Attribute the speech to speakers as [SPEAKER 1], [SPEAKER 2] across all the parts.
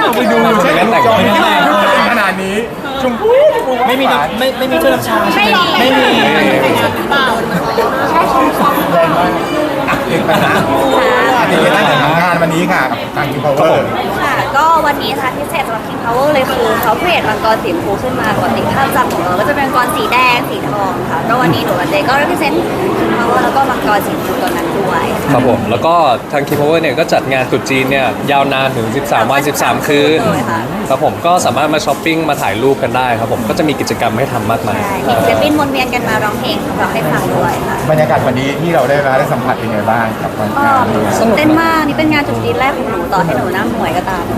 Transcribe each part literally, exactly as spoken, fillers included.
[SPEAKER 1] ไปดูใช่ไหมแต่งขนาดนี้ชมพู่
[SPEAKER 2] ไม่มีไม่ไม่มีเครื่องรับชาใช่ไหมไม่มี
[SPEAKER 1] แรงมากอ่ะเด็กปัญหาติดตั้งแต่งานวันนี้ค่ะกับทางคิวพาวเวอร์
[SPEAKER 3] ค่ะก็วันนี้ค่ะพิเศษสำหรับ King Power เลยคือเขาเปลี่ยนมังกรสีชมพูขึ้นมาปกติภาพจำของเราก็จะเป็นมังกรสีแดงสีทองค่ะก็วันนี้หนูกับเจก็ represent King Power แล้วก็มังกรสีชมพูตัวนั้นด้วย
[SPEAKER 4] ครับผมแล้วก็ทาง King Power เนี่ยก็จัดงานตรุษจีนเนี่ยยาวนานถึงสิบสามวันสิบสามคืนครับผมก็สามารถมาช้อปปิ้งมาถ่ายรูปกันได้ครับผมก็จะมีกิจกรรมให้ทำมากมาย
[SPEAKER 3] เห็นศิลปินวนเวียนกันมาร้องเพลงร้องให้ฟังด้วยค่ะ
[SPEAKER 1] บรรยากาศวันนี้ที่เราได้มาได้สัมผัสเป็นไงบ้างกับวันงาน
[SPEAKER 3] สนุกเต้นมากนี่เป็นงานตรุษจีนแรกของหนูต่อให้หนูหน้าหมวยก็ตาม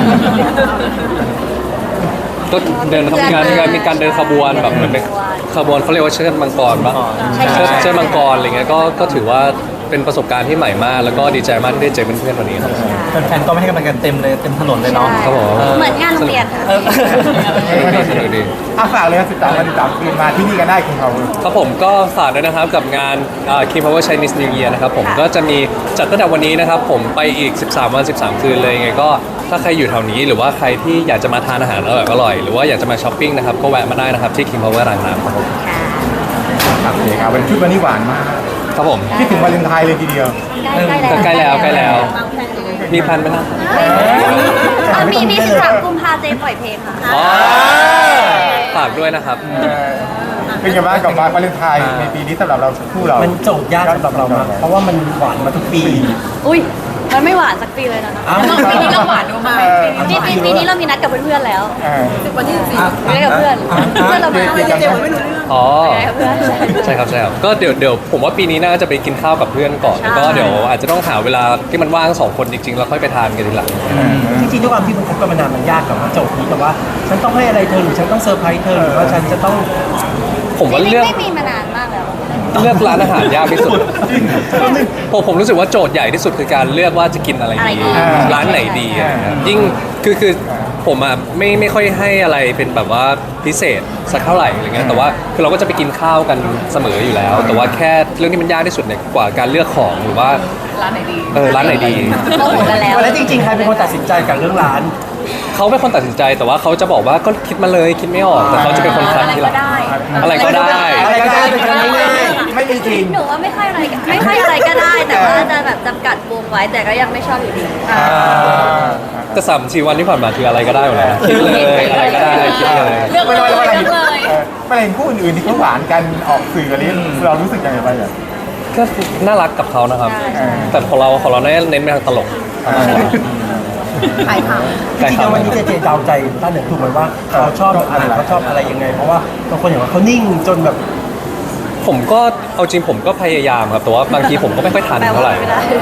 [SPEAKER 4] ก็เดินงานงานมีการเดินขบวนแบบเหมือนเป็นขบวนเขาเรียกว่าเชิดมังกรปะเชิดเชิดมังกรอะไรเงี้ยก็ก็ถือว่าเป็นประสบการณ์ที่ใหม่มากแล้วก็ดีใจมากที่ได้เจอเพื่อนๆวันนี้ครับ
[SPEAKER 2] แฟนๆก็ไม่ให้กำลังใจเต็มเลยเต็มถนนเลยเนาะ
[SPEAKER 4] ครับผม
[SPEAKER 3] เหมือนงานโรงเรียน
[SPEAKER 4] สนุกดี
[SPEAKER 1] อ่ะฝากเลยครับสิบสามวันสิบสามคืนมาที่นี่กันได้คุณเขา
[SPEAKER 4] ครับผมก็ฝากด้วยนะครับกับงาน King Power Chinese New Year นะครับผมก็จะมีจัดตั้งแต่วันนี้นะครับผมไปอีกสิบสามวันสิบสามคืนเลยไงก็ถ้าใครอยู่แถวนี้หรือว่าใครที่อยากจะมาทานอาหารอร่อยๆหรือว่าอยากจะมาช้อปปิ้งนะครับก็แวะมาได้นะครับที่ King Power รางน้ำครับผม
[SPEAKER 1] ครับโอเคครับวันชุดวันนี้หวานมาก
[SPEAKER 4] ครับผม
[SPEAKER 1] คิดถึงวาเลนไทน์เลยทีเดียว
[SPEAKER 4] ใกล้แล้วใกล้แล้วมีแพลนไหมนะ
[SPEAKER 3] มีมีสิบสามกุมภาเจปล่อยเพลงค่ะ
[SPEAKER 4] ฝากด้วยนะครับ
[SPEAKER 1] เป็นไงบ้างกับวาเลนไทน์ในปีนี้สำหรับเราคู่เรา
[SPEAKER 2] มันโจทย์ยากสำหรับเราเพราะว่ามันหวานมาทุกปี
[SPEAKER 3] อุ้ยมันไม่หวานสักปีเลยนะปีนี้เราหวานดูมาปีปีปีนี้เรามีนัดกับเพื่อนๆแล้ววันที่สี่ไม่ได้กับเพื่อนเพื่อนเราไม่เจอไม่รู้เรื่อง
[SPEAKER 4] อ๋อใช่ครับใช่ครับก็เดี๋ยวเดี๋ยวผมว่าปีนี้น่าจะไปกินข้าวกับเพื่อนก่อนแล้วก็เดี๋ยวอาจจะต้องหาเวลาที่มันว่างสองคนจริงๆแล้วค่อยไปทานกันทีหลัง
[SPEAKER 2] จริงๆด้วยความที่มันคบกันมานานมันยากกับว่าโจทย์นี้แต่ว่าฉันต้องให้อะไรเธอหรือฉันต้องเซอร์ไพรส์เธอหรือว่าฉันจะต้อง
[SPEAKER 4] ผมว่าเลือก
[SPEAKER 3] ไม่มีมานานมากแล้ว
[SPEAKER 4] เลือกร้านอาหารยากที่สุดผมผมรู้สึกว่าโจทย์ใหญ่ที่สุดคือการเลือกว่าจะกินอะไรดีร้านไหนดียิ่งคือคือผมอ่ะไม่ไม่ค่อยให้อะไรเป็นแบบว่าพิเศษสักเท่าไหร่อะไรเงี้ยแต่ว่าคือเราก็จะไปกินข้าวกันเสมออยู่แล้วแต่ว่าแค่เรื่องที่มันยากที่สุดเนี่ยกว่าการเลือกของหรือว่า
[SPEAKER 3] ร้านไหนดี
[SPEAKER 4] เออร้านไหนดี
[SPEAKER 3] เขาหมดกันแล้ว
[SPEAKER 2] แล้วจริงๆใครเป็นคนตัดสินใจกับเรื่องร้าน
[SPEAKER 4] เขาเป็นคนตัดสินใจแต่ว่าเขาจะบอกว่าก็คิดมาเลยคิดไม่ออกแต่เขาจะเป็นคนคัดทีหลังอะไรก็ได้
[SPEAKER 2] อะไรก็ได้เป็นคนง่าย
[SPEAKER 1] ไม่มีจริง
[SPEAKER 3] หนูว่าไม่ค่อยอะไรไม่ค่อยอะไรก็ได้แต่ว่าจะแบบจำกัดวงไว้แต่ก็ยังไม่ชอบอยู่ดี
[SPEAKER 4] แต่สามสี่วันที่ผ่านมาคืออะไรก็ได้หมดเลยคิดเลยอะไรก็ได้คิดเลย
[SPEAKER 1] เลือกเลยเลือกเลยไม่เห็นคู่อื่นๆที่เขาหวานกันออกสื่อกันนี้เรารู้สึกยังไงบ้าง
[SPEAKER 4] ก็น่ารักกับเขานะครับแต่ของเราของเราเน้นไปทางตลก
[SPEAKER 3] ขายข่าว
[SPEAKER 2] จริงๆวันนี้เจเจเดาใจต้าเหนือถูกไหมว่าเขาชอบอะไรเขาชอบอะไรยังไงเพราะว่าบางคนอย่างว่าเขานิ่งจนแบบ
[SPEAKER 4] ผมก็เอาจริงผมก็พยายามครับแต่ว่าบางทีผมก็ไม่ค่อยทันเท่าไหร่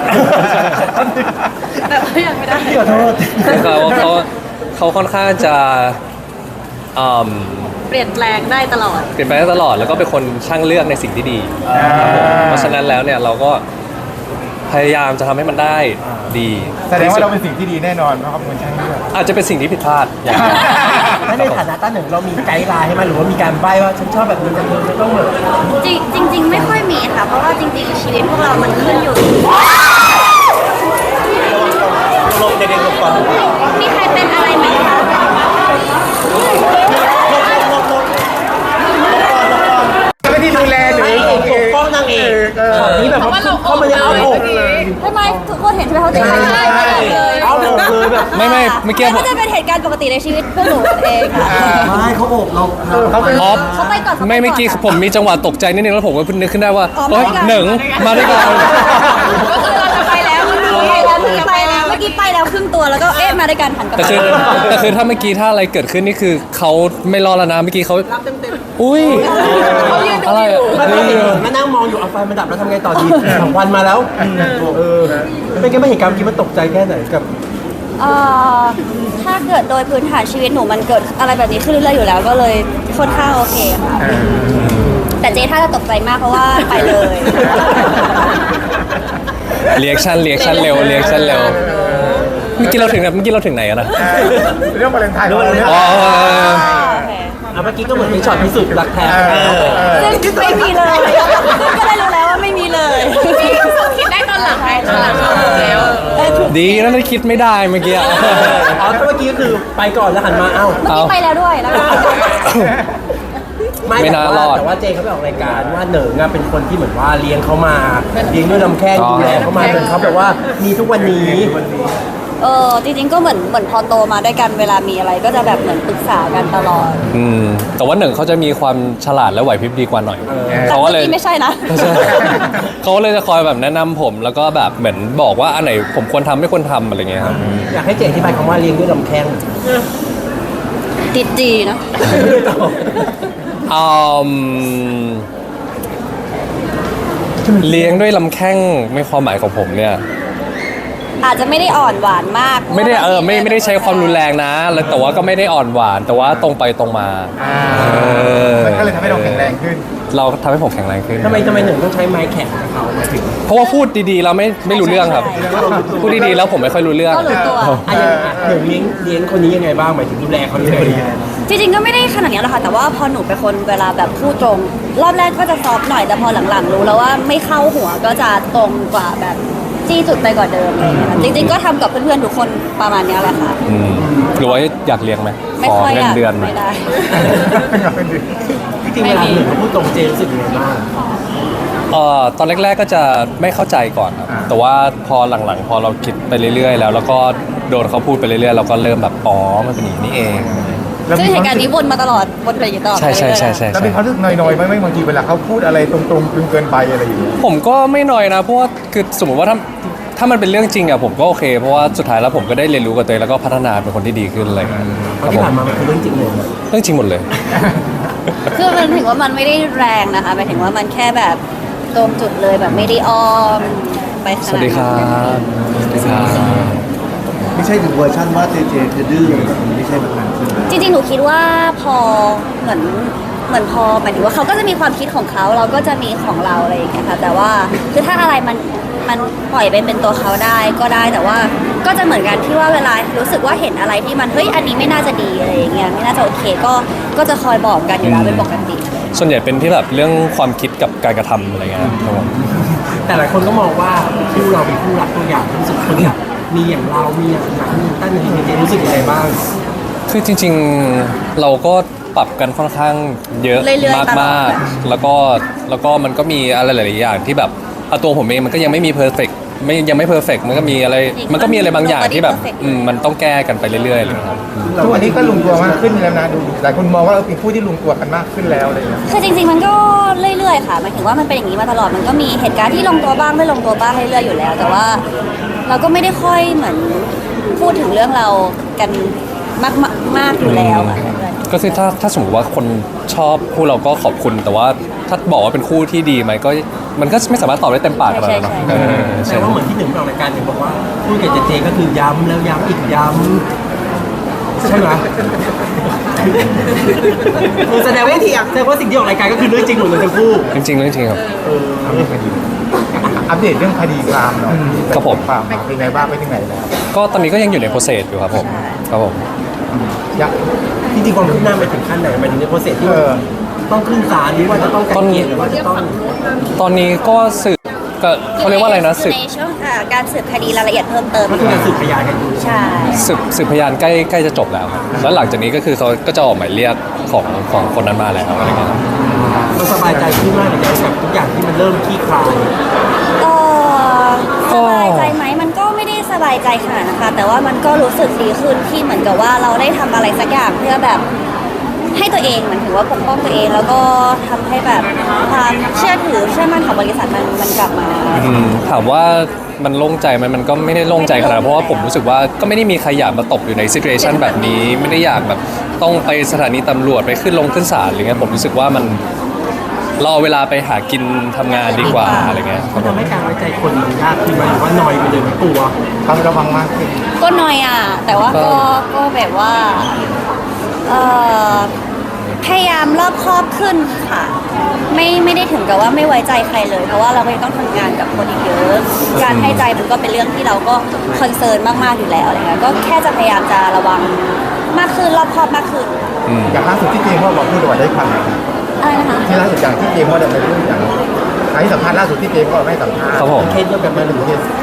[SPEAKER 3] แบบว่ายังไม่ได้
[SPEAKER 2] ขอโทษ
[SPEAKER 4] เขาเขาเขาค่อนข้างจะ
[SPEAKER 3] เปลี่ยนแปลงได้ตลอด
[SPEAKER 4] เปลี่ยนแปลงได้ตลอดแล้วก็เป็นคนช่างเลือกในสิ่งที่ดีเพราะฉะนั้นแล้วเนี่ยเราก็พยายามจะทำให้มันได้ดี
[SPEAKER 1] แสดงว่าเราเป็นสิ่งที่ดีแน่นอนเพราะเขาเป็นคนช่างเลือก
[SPEAKER 4] อาจจะเป็นสิ่งที่ผิดพลาดอย่าง
[SPEAKER 2] นั้นในฐานะต้าหนึ่งเรามีไกด์ไลน์ให้มันหรือว่ามีการใบ้ว่าฉันชอบแบบนี้จะจะต้องแบบ
[SPEAKER 3] จริงจริงไม่ค่อยมีค่ะเพราะว่าจริงๆชีวิตพวกเรามันขึ้นอยู่
[SPEAKER 2] ลงเด็กๆลงก่อน
[SPEAKER 3] มีใครเป็นอะไรไหมคะ
[SPEAKER 1] ไม่ได้ดูแลหรือ
[SPEAKER 2] ปกป้องนางเอกตอนนี้แบบว่าเขาไม่ได้เอาอกเลย
[SPEAKER 3] ทำไมทุกคนเห็นใช่ไหมเขาจะไม่ได้เลย
[SPEAKER 2] เอาอกเลยแบบ
[SPEAKER 4] ไม่ไม่เมื่อกี้
[SPEAKER 3] ก็จะเป็นเหตุการณ์ปกติในชีวิตพวกหนูเอง
[SPEAKER 2] ไม่เขาอกเรา
[SPEAKER 4] เขาไป
[SPEAKER 3] เขาไปก่อน
[SPEAKER 4] ไม่เมื่อกี้ผมมีจังหวะตกใจนิดนึงแล้วผมก็นึกขึ้นได้ว่าเฮ้ยหนึ่งมาด้วยกัน
[SPEAKER 3] ก็คือเราจะไปแล้วไปแล้วเมื่อกี้ไปแล้วเมื่อกี้ไปแล้วครึ่งตัวแล้วก็เอ๊ะมาด้วยกันหันกลับ
[SPEAKER 4] แต่คือแต่คือถ้าเมื่อกี้ถ้าอะไรเกิดขึ้นนี่คือเขาไม่รอแล้วนะเมื่อกี้เขาอุ้ย
[SPEAKER 3] อะไร
[SPEAKER 2] มานั่งมองอยู่เอาไฟมันดับแล้วทำไงต่อดีสองวันมาแล้วเออเป็นไงไม่เห็นการกินมันตกใจแค่ไหนกับ
[SPEAKER 3] ถ้าเกิดโดยพื้นฐานชีวิตหนูมันเกิดอะไรแบบนี้ขึ้นเรื่อยๆอยู่แล้วก็เลยค่อนข้างโอเคค่ะแต่เจ๊ถ้าจะตกใจมากเพราะว่าไปเลย
[SPEAKER 4] เรียกชั่นเรียกชั่นเร็วเรียกชั่นเร็วเมื่อกี้เราถึงเมื่อกี้เราถึงไหนอะนะ
[SPEAKER 1] เรื่องวาเลนไทน์เนี่ย
[SPEAKER 4] อ๋อ
[SPEAKER 2] อ่ะเมื่อกี้ก็เหมือนเป็นช็อตพิสูจน์รักแท้
[SPEAKER 3] ซึ่งไม่มีเลยก็ได้รู้แล้วว่าไม่มีเลย
[SPEAKER 5] คิดได้ตอนหลังไงตอนหลังชอบแล้ว
[SPEAKER 3] ถูก
[SPEAKER 4] ดีนะที่คิดไม่ได้เมื่อกี้
[SPEAKER 2] อ๋อเมื่อกี้ก็คือไปก่อนแล้วหันมาเอ้า
[SPEAKER 3] เมื่อกี้ไปแล้วด้วยแล้วก็
[SPEAKER 4] ไม่น่ารอด
[SPEAKER 2] แต่ว่าเจเขาไปออกรายการว่าเหนิงอะเป็นคนที่เหมือนว่าเลี้ยงเขามาเลี้ยงด้วยลำแข้ง
[SPEAKER 4] อ๋อ
[SPEAKER 2] ดูแลเขามาจนเขาแบบว่ามีทุกวันนี้
[SPEAKER 3] เออจริงๆก็เหมือนเหมือนพอโตมาด้วยกันเวลามีอะไรก็จะแบบเหมือนปรึกษากันตลอด
[SPEAKER 4] อืมแต่ว่าหนึ่งเขาจะมีความฉลาดและไหวพริบดีกว่าหน่อย
[SPEAKER 3] แต่
[SPEAKER 4] เขา
[SPEAKER 3] เมื่
[SPEAKER 4] ก็
[SPEAKER 3] อ
[SPEAKER 4] เลย
[SPEAKER 3] กี้ไม่ใช่นะ
[SPEAKER 4] ไม่ใช่ เขาเลยจะคอยแบบแนะนำผม แล้วก็แบบเหมือนบอกว่าอันไหนผมควรทำไม่ควรทำอะไรเงี้ยครับ
[SPEAKER 2] อยากให้เจอธิบายคำว่าเลี้ยงด้วยลำแข้ง
[SPEAKER 3] ติดดีเนาะ
[SPEAKER 4] อืมเลี้ยงด้วยลำแข้งในความหมายของผมเนี่ย
[SPEAKER 3] อาจจะไม่ได้อ่อนหวานมาก
[SPEAKER 4] ไม่ได้เออไม่ไม่ได้ใช้ความรุนแรงนะแล้วแต่ว่าก็ไม่ได้อ่อนหวาน แต่ว่าตรงไปตรงมา
[SPEAKER 1] อ่า
[SPEAKER 4] เออ
[SPEAKER 1] มันก็เลยทำให้เราแข็งแรงขึ้น
[SPEAKER 4] เราทำให้ผมแข็งแรงขึ้น
[SPEAKER 2] ทำไมทำไมหนึ่งต้องใช้ไม้แข็งกับเขาหมายถึง
[SPEAKER 4] เพราะว่าพูดดีๆแล้วไม่ไม่รู้เรื่องครับ พูดดีๆแล้วผมไม่ค่อยรู้เรื่อง
[SPEAKER 3] ก็รู้ตัว
[SPEAKER 2] อ่ะอย่างหนึ่งเลี้ยงเลี้ยงคนนี้ยังไงบ้างหมายถึงดูแลเขายังไง
[SPEAKER 3] จริงๆก็ไม่ได้ขนาดนี้หรอกค่ะแต่ว่าพอหนูเป็นคนเวลาแบบพูดตรง รอบแรกก็จะซอฟต์หน่อยแต่พอหลังๆ รู้แล้วว่าไม่เข้าหัวก็จะตรงกว่าแบบจี้จุดไปกว่าเดิมอะไรอย่างเงี้ยค่ะจริงๆก็ทำกับเพื่อนๆทุกคนประมาณเนี้ยแหละค่ะ
[SPEAKER 4] อืมหรือว่าอยากเลี้ยงไหม
[SPEAKER 3] ไม่
[SPEAKER 4] ขอ
[SPEAKER 3] ค่อย
[SPEAKER 4] เงิ
[SPEAKER 3] อน ยาก
[SPEAKER 4] เดือน
[SPEAKER 3] ไม่ได้
[SPEAKER 2] จริงๆเวลาหนึ่งเขาพูดตรงเจรู้สึกยังไงบ้าง
[SPEAKER 4] เอ่อตอนแรกๆก็จะไม่เข้าใจก่อนครับ
[SPEAKER 1] อ่า
[SPEAKER 4] แต่ว่าพอหลังๆ พอเราคิดไปเรื่อยๆ แล้วแล้วก็โดนเขาพูดไปเรื่อยๆ เราก็เริ่มแบบอ๋อมันเป็นอย่างนี้นี่เอง
[SPEAKER 1] แล้ว
[SPEAKER 3] ซึ่ง
[SPEAKER 1] มี
[SPEAKER 3] เห
[SPEAKER 1] ควา
[SPEAKER 3] ตุ
[SPEAKER 1] ม
[SPEAKER 3] การณ์นี้วนมาตลอดวนไปอย่างนี้ตลอด
[SPEAKER 4] ใช่ใช่ใช่ใช่
[SPEAKER 1] แล้ว
[SPEAKER 4] ใช่
[SPEAKER 1] มีความรู้สึกน้อยๆไหมไม่บางทีเวลาเขาพูดอะไรตรงๆจนเกินไปอะไรอย่างเงี้ย
[SPEAKER 4] ผมก็ไม่น้อยนะเพราะว่าคือสมมติว่าถ้าถ้ามันเป็นเรื่องจริงอะผมก็โอเคเพราะว่าสุดท้ายแล้วผมก็ได้เรียนรู้กับตัวเองแล้วก็พัฒนาเป็นคนที่ดีขึ้นอะไรอย่างเงี้ย
[SPEAKER 2] เพ
[SPEAKER 4] ครั
[SPEAKER 2] ราะ
[SPEAKER 4] บ
[SPEAKER 2] ที่
[SPEAKER 4] ผม
[SPEAKER 2] ผ่านมามันคือเรื่องจริงเลย
[SPEAKER 4] เรื่องจริงหมดเลย
[SPEAKER 3] คือมันถึงว่ามันไม่ได้แรงนะคะหมายถึงว่ามันแค่แบบตรงจุดเลยแบบไม่ได้อ้อมไปข
[SPEAKER 4] ส
[SPEAKER 3] นาด
[SPEAKER 4] วัสดีค
[SPEAKER 3] นั้
[SPEAKER 4] รั
[SPEAKER 3] น
[SPEAKER 4] บสวัสดีครับ
[SPEAKER 5] ไม่ใช่ถึงเวอร์ชันว่าเจเจจะดื้อแบบนี้ไม่ใช่แบบนั้นใช่ไหม
[SPEAKER 3] จริงๆ หนูคิดว่าพอเหมือนเหมือนพอหมายถึงว่าเขาก็จะมีความคิดของเขาเราก็จะมีของเราอะไรอย่างเงี้ยค่ะแต่ว่าคือถ้าอะไรมันมันปล่อยไปเป็นตัวเขาได้ก็ได้แต่ว่าก็จะเหมือนกันที่ว่าเวลารู้สึกว่าเห็นอะไรที่มันเฮ้ยอันนี้ไม่น่าจะดีอะไรอย่างเงี้ยไม่น่าจะโอเคก็ก็จะคอยบอกกันอยู่แล้วเป็นปกติ
[SPEAKER 4] ส่วนใหญ่เป็นที่แบบเรื่องความคิดกับการกระทำอะไรเงี้ยครับผม
[SPEAKER 2] แต่หลายคนก็มองว่าคู่เราเป็นคู่รักตัวอย่างที่รู้สึกคนอยากมีอย่างเรา มีอย่างนั้นมีตั้งในเจรู้สึกยังไงบ้าง
[SPEAKER 4] คือจริงๆเราก็ปรับกันค่อนข้างเยอะ
[SPEAKER 3] เรื่อยๆตลอด
[SPEAKER 4] มากๆแล้วก็แล้วก็มันก็มีอะไรหลายๆอย่างที่แบบเอาตัวผมเองมันก็ยังไม่มีเพอร์เฟกไม่ยังไม่เพอร์เฟกมันก็มีอะไรมันก็มีอะไรบางอย่างที่แบบอืมมันต้องแก้กันไปเรื่อยๆเลยครับ
[SPEAKER 1] ทุกวันนี้ก็ลงตัวมากขึ้นแล้วนะดูหลายคนมองว่าเราเป็นผู้ที่ลงตัวกันมากขึ้นแล้วอะไรอย่างเงี้ย
[SPEAKER 3] คือจริงๆ มันก็เรื่อยๆ ค่ะหมายถึงว่ามันเป็นอย่างนี้มาตลอด มันก็มีเหตุการณ์ที่ลงตัวบ้างไม่ลงตัวบ้างเรื่อยๆ อยู่แล้ว แต่ว่าเราก็ไม่ได้ค่อยเหมือนพูดถึงเรื่องเรากันมากๆมากอยู่แล้วอะ
[SPEAKER 4] ก็คือถ้าถ้าสมมติว่าคนชอบคู่เราก็ขอบคุณ แต่ว่าถ้าบอกว่าเป็นคู่ที่ดีไหมก็มันก็ไม่สามารถตอบได้เต็มปากขนาดนั้นหรอกเออ
[SPEAKER 2] แต่
[SPEAKER 4] ใช่
[SPEAKER 2] ว่าเหมือนที่หนึ่งออกรายการหนึ่งบอกว่าพูดกับเจเจก็คือย้ำแล้วย้ำอีกย้ำใช่ไหมคือแสดงว่าแสดงว่าสิ่งที่ออกรายการก็คือเรื่องจริงหมดเลยทั้งคู่
[SPEAKER 4] จริงๆเรื่องจริงครับ
[SPEAKER 1] อัปเดตคดีอัปเดตเรื่องคดีความหน่อย
[SPEAKER 4] ครับผม
[SPEAKER 1] ความเป็นไงบ้างไปถึงไหนแล้ว
[SPEAKER 4] ก็ตอนนี้ก็ยังอยู่ในโปรเซสอยู่ครับผมครับผม
[SPEAKER 1] ยัก
[SPEAKER 2] จริงๆความคืบหน้าไปถึงขั้นไหนไปถึงในโปรเซสที่
[SPEAKER 1] เออ
[SPEAKER 2] ต้องขึ้นศาลหรือว่าจะต้องไกลเกลี่ยหรือว่าจะต้อง
[SPEAKER 4] ตอนนี้ก็สืบก็เขาเรียกว่าอะไรนะสืบ
[SPEAKER 3] ในช่วงอ่าการสืบคดีรายละเอียดเพิ่มเติม
[SPEAKER 2] ก็คือการสืบพยานกันอยู่
[SPEAKER 3] ใช่
[SPEAKER 4] สืบสืบพยานใกล้ใกล้จะจบแล้วครับแล้วหลังจากนี้ก็คือเขาก็จะออกหมายเรียกของของคนนั้นมาแล้วอะไรเงี้ยครับ
[SPEAKER 2] มันสบายใจขึ้นมากเลยนะกับทุกอย่างที่มันเริ่มคลี่คลาย
[SPEAKER 3] เออสบายใจไหมมันก็ไม่ได้สบายใจขนาดนะคะ แต่ว่ามันก็รู้สึกดีขึ้นที่เหมือนกับว่าเราได้ทำอะไรสักอย่างเพื่อแบบให้ตัวเองเหมือนถือว่าปกป้องตัวเอง แล้วก็ทำให้แบบความเชื่อถือเชื่อมั่นของบริษัทมันมันกลับมา
[SPEAKER 4] อืมถามว่ามันโล่งใจไหมมันก็ไม่ได้โล่งใจขนาดนั้นเพราะว่าผมรู้สึกว่าก็ไม่ได้มีใครอยากมาตกอยู่ในซิ t u เ t ชันแบบนี้ ไม่ได้อยากแบบต้องไปสถานีตำรวจไปขึ้นลงขึ้นศาลอะไรเงี้ยผมรู้สึกว่ามันเราเอาเวลาไปหากินทำงานดีกว่าอะไรเงี้ย
[SPEAKER 2] มันทำให้การไว้ใจคนมันยากขึ้นไหมหรือว่าน้อยไปเลยมันกลัว
[SPEAKER 1] ต้องระวังมากขึ้น
[SPEAKER 3] ก็น้อยอ่ะ แต่ว่าก็ก็แบบว่าเออพยายามรอบคอบขึ้นค่ะ ไม่ไม่ได้ถึงกับว่าไม่ไว้ใจใครเลย เพราะว่าเราก็ยังต้องทำงานกับคนอีกเยอะ การให้ใจมันก็เป็นเรื่องที่เราก็คอนเซิร์นมากๆอยู่แล้วอะไรเงี้ยก็แค่จะพยายามจะระวังมากขึ้นรอบคอบมากขึ้น
[SPEAKER 4] อืม
[SPEAKER 1] อย่างล่าสุดที่เจมส์ว่าบอกพูดว่าได้ความ
[SPEAKER 3] อะไรนะคะ
[SPEAKER 1] ที่ล่าสุดอย่างที่เจมส์ว่าได้ไปพูดอย่างให้สัมภาษณ์ล่าสุดที่เจมส์ว่าไม่สัมภาษณ์
[SPEAKER 4] ครับผม
[SPEAKER 2] เคสเดียวกันมาหรือเคส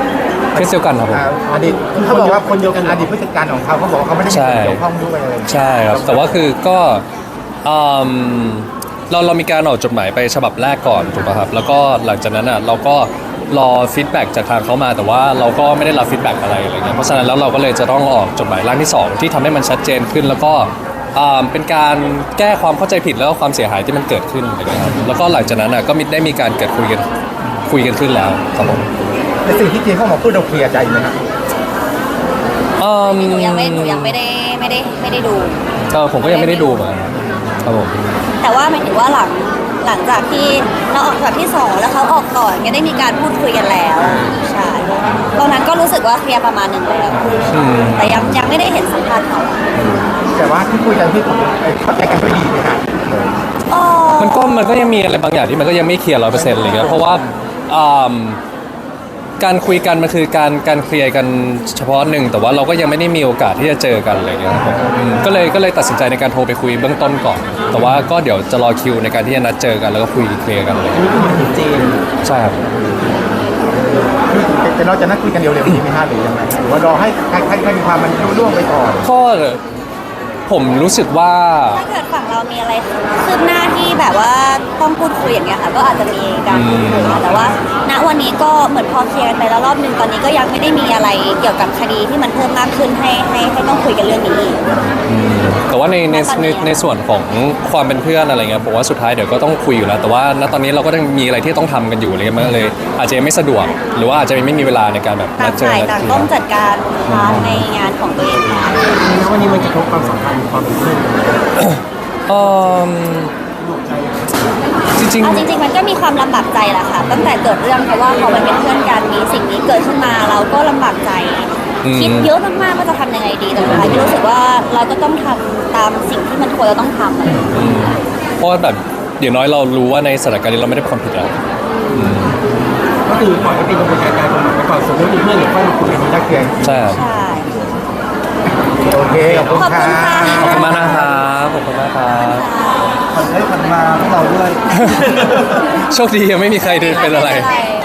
[SPEAKER 4] เคสเดียวกันครับผม
[SPEAKER 1] อ่าอดีตเขาบอกว่าคนเดียวกันอดีตผู้จัดการของเขาเขาบอกว่าเขาไม่ได้มีส่วนเกี่ยวข้องด้วยอะไรอย่างเงี้ย
[SPEAKER 4] ใช่ครับแต่ว่าคือก็อืมเราเรามีการออกจดหมายไปฉบับแรกก่อนถูกป่ะครับแล้วก็หลังจากนั้นอ่ะเราก็รอฟีดแบ็กจากทางเขามาแต่ว่าเราก็ไม่ได้รับฟีดแบ็กอะไรอะไรเงี้ยเพราะฉะนั้นแล้วเราก็เลยจะต้องออกจดหมายร่างที่สองที่ทำให้มันชัดเจนขึ้น แล้วก็อ่าเป็นการแก้ความเข้าใจผิดแล้วก็ความเสียหายที่มันเกิดขึ้นอะไรเงี้ยครับแล้วก็หลังจากนั้นอ่ะก็มีได้มีการเกิดคุยกันคุยกันขึ้นแล้วครับผม
[SPEAKER 1] แต่สิ่งที่เจนเขาบอกพูดเราเคลียร์ใจไหมครับ
[SPEAKER 4] อืม
[SPEAKER 3] หนูยังไม่หนูยังไม่ได้ไม่ได้ไม่ได้ดู
[SPEAKER 4] เออผมก็ยังไม่ได้ดูเหมือนกันครับผม
[SPEAKER 3] แต่ว่าหมายถึงว่าหลังหลังจากที่เราออกจากที่สองแล้วเขาออกก่อนก็ได้มีการพูดคุยกันแล้วใช่ตอนนั้นก็รู้สึกว่าเคลียร์ประมาณหนึ่งแล้ว
[SPEAKER 4] อืม
[SPEAKER 3] แต่ยังยังไม่ได้เห็นสัมภาษณ์เขา
[SPEAKER 1] แต่ว่าที่คุยกันที่เข้าใจกันไม่ดีนะครับ
[SPEAKER 3] อ๋อ
[SPEAKER 4] มันก็มันก็ยังมีอะไรบางอย่างที่มันก็ยังไม่เคลียร์ร้อยเปอร์เซ็นต์อะไรเงี้ยเพราะว่าอ่าการคุยกันมันคือการการเคลียร์กันเฉพาะหนึ่งแต่ว่าเราก็ยังไม่ได้มีโอกาสที่จะเจอกันอะไรเงี้ยครับผมอืมก็เลยก็เลยตัดสินใจในการโทรไปคุยเบื้องต้นก่อน แต่ว่าก็เดี๋ยวจะรอคิวในการที่จะนัดเจอกันแล้วก็คุยเคลียร์กันเลย
[SPEAKER 2] นี่คือมันถึงเจน
[SPEAKER 4] ใช่ครับ
[SPEAKER 1] แต่เราจะนัดคุยกันเร็วๆนี้ไหมฮะหรือยังไงหรือว่ารอให้ใครใครใครมีความมันรู้ล่วงไปก่อน
[SPEAKER 4] ก็ผมรู้สึกว่า
[SPEAKER 3] ถ้าเกิดฝั่งเรามีอะไรคืบหน้าที่แบบว่าต้องพูดคุยอย่างเงี้ยค่ะก็อาจจะมีการพูดคุยค่ะแต่ว่าณวันนี้ก็เหมือนพอเคลียร์กันไปแล้วรอบหนึ่งตอนนี้ก็ยังไม่ได้มีอะไรเกี่ยวกับคดีที่มันเพิ่มมากขึ้นให้ให้ให้ต้องคุยกันเรื่องนี้อีก
[SPEAKER 4] แต่ว่าในในในในส่วนของความเป็นเพื่อนอะไรเงี้ยผมว่าสุดท้ายเดี๋ยวก็ต้องคุยอยู่แล้ว แต่ว่าณตอนนี้เราก็ต้องมีอะไรที่ต้องทำกันอยู่อะไรเงี้ยมันก็เลย อาจจะยังไม่สะดวก หรือว่าอาจจะไม่มีเวลาในการแบบ
[SPEAKER 3] ต่า
[SPEAKER 4] นั
[SPEAKER 3] ง
[SPEAKER 4] ดเจอ
[SPEAKER 3] ฝ่าย
[SPEAKER 4] นัด
[SPEAKER 3] ต่าง
[SPEAKER 4] เคลีย
[SPEAKER 3] ต้อง
[SPEAKER 4] ร์
[SPEAKER 3] จัดการพาร์ทในงานของตัวเองค่ะ
[SPEAKER 2] แล้ววันนี้มันกระทบความสัมพันธ์ความเป็นเพื่อน
[SPEAKER 4] เอิ่มจริง
[SPEAKER 3] เอาจริงๆมันก็มีความลำบากใจแหละค่ะ ตั้งแต่เกิดเรื่องเพราะว่าพอมันเป็นเพื่อนกันมีสิ่งนี้เกิดขึ้นมาเราก็ลำบากใจ
[SPEAKER 4] อืม
[SPEAKER 3] คิดเยอะมากๆว่าจะทำยังไงดีแต่สุดท้ายก็รู้สึกว่าเราก็ต้องทำตามสิ่งที่มันควรเราต้องทำอะไรอย่างเงี้ย
[SPEAKER 4] ๆอืมเพราะว่าแบบอย่างน้อยเรารู้ว่าในสถานการณ์นี้เราไม่ได้เป็นความผิดแล้ว
[SPEAKER 2] ก็คือปล่อยให้เป็นกระบวนการการกฎหมายไปก่อนสมมติมีเพื่อนหรือค่อยมาคุยกัน
[SPEAKER 1] นัดเคลียร์
[SPEAKER 4] ใช่ครับ
[SPEAKER 3] ใช่
[SPEAKER 1] โอเคขอบคุณ
[SPEAKER 3] ขอบ
[SPEAKER 1] ค่ะ
[SPEAKER 3] คุณค่ะ
[SPEAKER 4] ขอบคุณมากนะครับขอบคุณมากครับ
[SPEAKER 5] ผ่อนได้ผ่อนมาพวกเราด้วย
[SPEAKER 4] โชคดียังไม่มีใครเป็นอะไร
[SPEAKER 3] ม่เป็นไร